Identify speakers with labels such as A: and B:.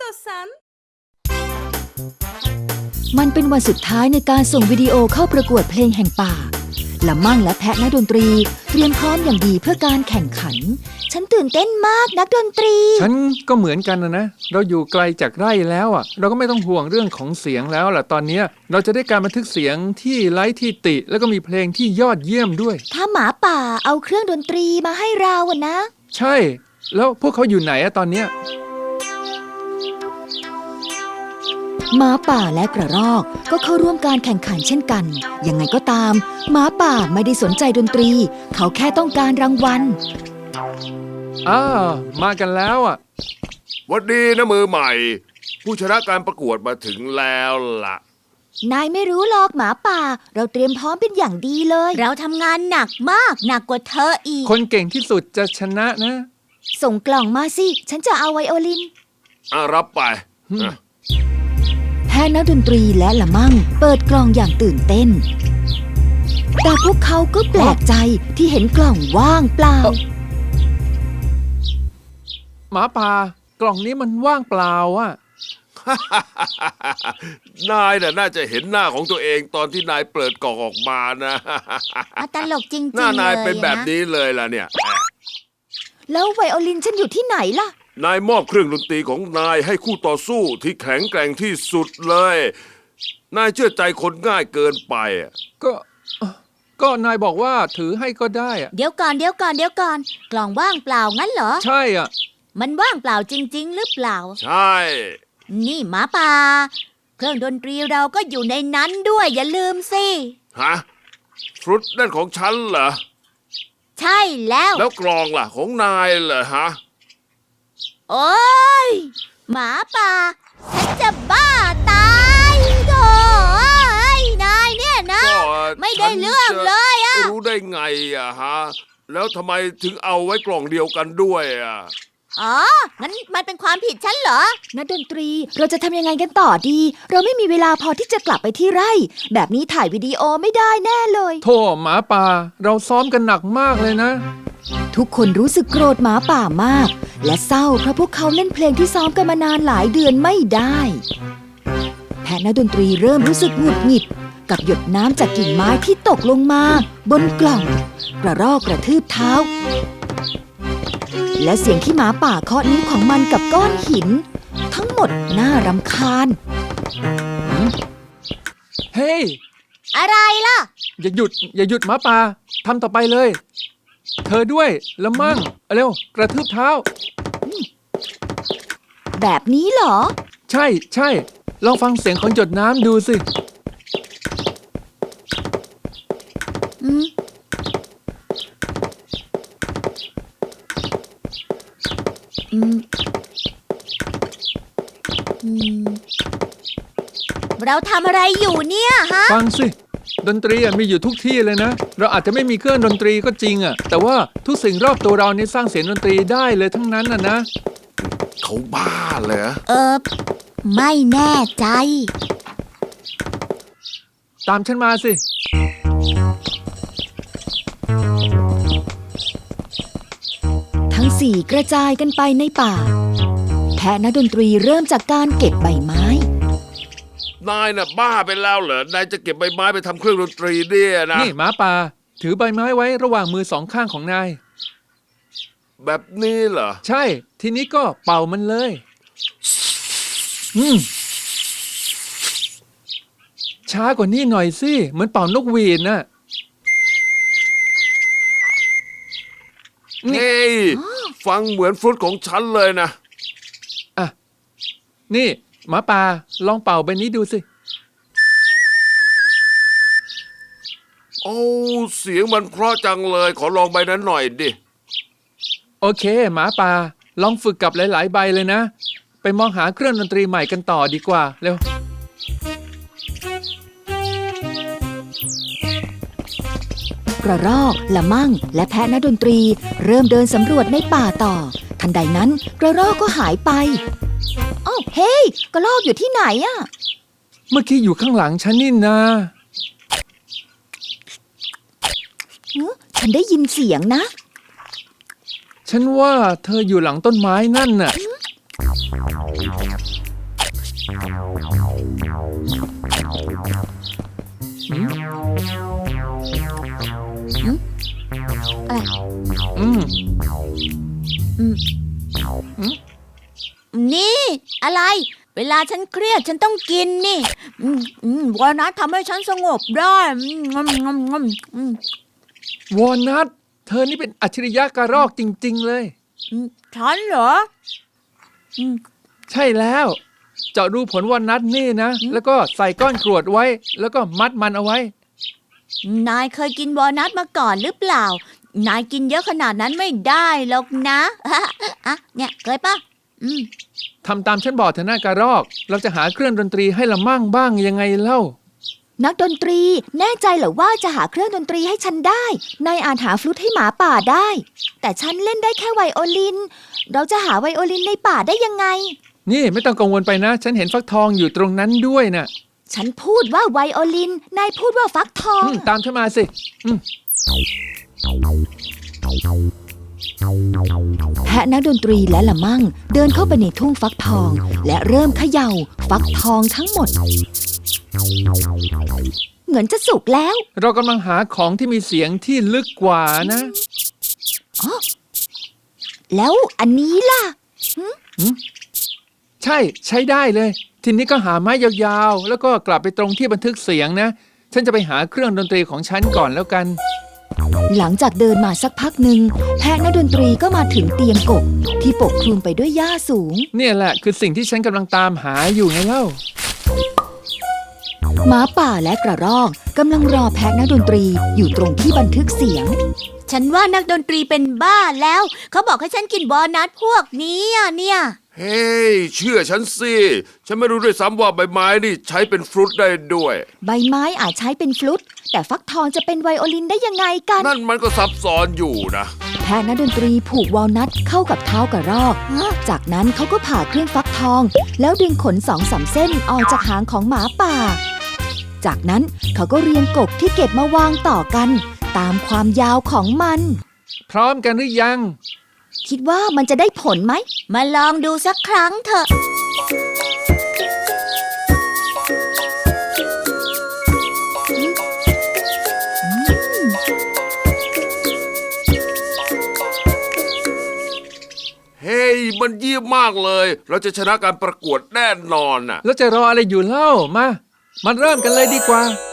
A: istiyorsan.
B: มันเป็นวันสุดท้ายในการส่งวิดีโอเข้าประกวดเพลงแห่งป่าละมั่งและแพะนักดนตรีเตรียมพร้อมอย่างดีเพื่อการแข่งขันฉันตื่นเต้นมากนักดนตรี
C: ฉันก็เหมือนกันนะเราอยู่ไกลจากไร่แล้วเราก็ไม่ต้องห่วงเรื่องของเสียงแล้วล่ะตอนนี้เราจะได้การบันทึกเสียงที่ไร้ที่ติแล้วก็มีเพลงที่ยอดเยี่ยมด้วย
B: ถ้าหมาป่าเอาเครื่องดนตรีมาให้เราอะนะ
C: ใช่แล้วพวกเขาอยู่ไหนตอนเนี้ย
B: หมาป่าและกระรอกก็เข้าร่วมการแข่งขันเช่นกันยังไงก็ตามหมาป่าไม่ได้สนใจดนตรีเขาแค่ต้องการรางวัล
C: มากันแล้ว
D: หวัดดีนะมือใหม่ผู้ชนะการประกวดมาถึงแล้วล่ะ
B: นายไม่รู้หรอกหมาป่าเราเตรียมพร้อมเป็นอย่างดีเลย
E: เราทำงานหนักมากหนักกว่าเธออีก
C: คนเก่งที่สุดจะชนะนะ
B: ส่งกล่องมาสิฉันจะเอาไวโอลิน
D: รับไป
B: แพะนักดนตรีและละมั่งเปิดกล่องอย่างตื่นเต้นแต่พวกเขาก็แปลกใจที่เห็นกล่องว่างเปล่า
C: หมาป่ากล่องนี้มันว่างเปล่
D: นายน่าจะเห็นหน้าของตัวเองตอนที่นายเปิดกล่องออกมานะ
E: ตลกจริงๆ
D: หน้านายเป็นแบบนี้เลยล่ะเนี่ย
B: แล้วไวโอลินฉันอยู่ที่ไหนล่ะ
D: นายมอบเครื่องดนตรีของนายให้คู่ต่อสู้ที่แข็งแกร่งที่สุดเลยนายเชื่อใจคนง่ายเกินไป
C: ก็นายบอกว่าถือให้ก็ได้
E: เดี๋ยวก่อนกล่องว่างเปล่างั้นเหรอ
C: ใช่
E: มันว่างเปล่าจริงๆหรือเปล่า
D: ใช่
E: นี่หมาป่าเครื่องดนตรีเราก็อยู่ในนั้นด้วยอย่าลืมสิ
D: ฮะฟรุตนั่นของฉันเหรอ
E: ใช่แล้ว
D: กลองล่ะของนายเหรอฮะ
E: โอ๊ยหมาป่าฉันจะบ้าตายโถ่นายเนี่ยนะไม่ได้เรื่องเลย
D: รู้ได้ไงฮะแล้วทำไมถึงเอาไว้กล่องเดียวกันด้วย
E: งั้นมันเป็นความผิดฉันเหรอ
B: นักดนตรีเราจะทำยังไงกันต่อดีเราไม่มีเวลาพอที่จะกลับไปที่ไร่แบบนี้ถ่ายวิดีโอไม่ได้แน่เลย
C: โธ่หมาป่าเราซ้อมกันหนักมากเลยนะ
B: ทุกคนรู้สึกโกรธหมาป่ามากและเศร้าเพราะพวกเขาเล่นเพลงที่ซ้อมกันมานานหลายเดือนไม่ได้แพะนักดนตรีเริ่มรู้สึกหงุดหงิดกับหยดน้ำจากกิ่งไม้ที่ตกลงมาบนกล่องกระรอกกระทืบเท้าและเสียงที่หมาป่าเคาะนิ้วของมันกับก้อนหินทั้งหมดน่ารำคาญ
C: เฮ้ย
E: อะไรล่ะ
C: อย่าหยุดหมาป่าทำต่อไปเลยเธอด้วยละมั่งเร็วกระทืบเท้า
B: แบบนี้เหรอ
C: ใช่ลองฟังเสียงของหยดน้ำดูสิ
E: เราทำอะไรอยู่เนี่ยฮะ
C: ฟังสิดนตรีมีอยู่ทุกที่เลยนะเราอาจจะไม่มีเครื่องดนตรีก็จริงแต่ว่าทุกสิ่งรอบตัวเรานี่สร้างเสียงดนตรีได้เลยทั้งนั้นนะ
D: เขาบ้าเหรอ
E: ไม่แน่ใจ
C: ตามฉันมาสิ
B: ทั้งสี่กระจายกันไปในป่าแพะนักดนตรีเริ่มจากการเก็บใบไม้
D: นายน่ะบ้าไปแล้วเหรอนายจะเก็บใบไม้ไปทำเครื่องดนตรีเนี่ยนะ
C: นี่หมาป่าถือใบไม้ไว้ระหว่างมือสองข้างของนาย
D: แบบนี้เหรอ
C: ใช่ทีนี้ก็เป่ามันเลยช้ากว่านี้หน่อยสิเหมือนเป่านกหวีดน่ะ
D: เฮ้ยฟังเหมือนฟรุตของฉันเลยนะ
C: นี่หมาป่าลองเป่าใบนี้ดูสิ
D: โอ้เสียงมันเพราะจังเลยขอลองใบนั้นหน่อยดิ
C: โอเคหมาป่าลองฝึกกับหลายๆใบเลยนะไปมองหาเครื่องดนตรีใหม่กันต่อดีกว่าเร็ว
B: กระรอกละมั่งและแพะนักดนตรีเริ่มเดินสำรวจในป่าต่อทันใดนั้นกระรอกก็หายไปเฮ้ยกระรอกอยู่ที่ไหน
C: เมื่อกี้อยู่ข้างหลังฉันนี่นา
B: ฉันได้ยินเสียงนะ
C: ฉันว่าเธออยู่หลังต้นไม้นั่นน่ะอืม
E: นี่อะไร เวลาฉันเครียดฉันต้องกินนี่วอลนัททำให้ฉันสงบได้
C: วอลนัทเธอนี่เป็นอัจฉริยะกระรอกจริงๆเลย
E: ฉันเหรอ
C: ใช่แล้ว เจาะรูผลวอลนัทนี่นะ แล้วก็ใส่ก้อนกรวดไว้ แล้วก็มัดมันเอาไว้
E: นายเคยกินวอลนัทมาก่อนหรือเปล่า นายกินเยอะขนาดนั้นไม่ได้หรอกนะอ่ะเนี่ยเคยปะ
C: ทำตามฉันบอกเถอะหน้ากระรอก เราจะหาเครื่องดนตรีให้ละมั่งบ้างยังไงเล่า
B: นักดนตรีแน่ใจเหรอว่าจะหาเครื่องดนตรีให้ฉันได้นายอาจหาฟลุตให้หมาป่าได้ แต่ฉันเล่นได้แค่ไวโอลิน เราจะหาไวโอลินในป่าได้ยังไง
C: นี่ไม่ต้องกังวลไปนะ ฉันเห็นฟักทองอยู่ตรงนั้นด้วยนะ
B: ฉันพูดว่าไวโอลิน นายพูดว่าฟักทอง
C: ตามฉันมาสิ
B: แพะนักดนตรีและละมั่งเดินเข้าไปในทุ่งฟักทอง และเริ่มเขย่าฟักทองทั้งหมด เหมือนจะสุกแล้ว
C: เรากำลังหาของที่มีเสียงที่ลึกกว่านะ
B: แล้วอันนี้ล่ะ
C: ใช้ได้เลย ทีนี้ก็หาไม้ยาวๆ แล้วก็กลับไปตรงที่บันทึกเสียงนะ ฉันจะไปหาเครื่องดนตรีของฉันก่อนแล้วกัน
B: หลังจากเดินมาสักพักหนึ่งแพะนักดนตรีก็มาถึงเตียงกบที่ปกคลุมไปด้วยหญ้าสูง
C: เนี่ยแหละคือสิ่งที่ฉันกำลังตามหาอยู่ไงเล่า
B: หมาป่าและกระรอกกำลังรอแพะนักดนตรีอยู่ตรงที่บันทึกเสียง
E: ฉันว่านักดนตรีเป็นบ้าแล้ว เขาบอกให้ฉันกินวอลนัทพวกนี้เนี่ย
D: เฮ้ยเชื่อฉันสิ ฉันไม่รู้ด้วยซ้ำว่าใบไม้นี่ใช้เป็นฟรุตได้ด้วย
B: ใบไม้อาจใช้เป็นฟลุตแต่ฟักทองจะเป็นไวโอลินได้ยังไงกัน
D: นั่นมันก็ซับซ้อนอยู่นะ
B: แพะนักดนตรีผูกวอลนัทเข้ากับเท้ากระรอก จากนั้นเขาก็ผ่าเครื่องฟักทอง แล้วดึงขน2-3 เส้นออกจากหางของหมาป่า จากนั้นเขาก็เรียงกบที่เก็บมาวางต่อกัน ตามความยาวของมัน
C: พร้อมกันหรือยัง
B: คิดว่ามันจะได้ผลไหม
E: มาลองดูสักครั้งเถอะ
D: เฮ้ยมันเยี่ยมมากเลย เราจะชนะการประกวดแน่นอนน่ะ
C: แล้วจะรออะไรอยู่เล่ามาเริ่มกันเลยดีกว่า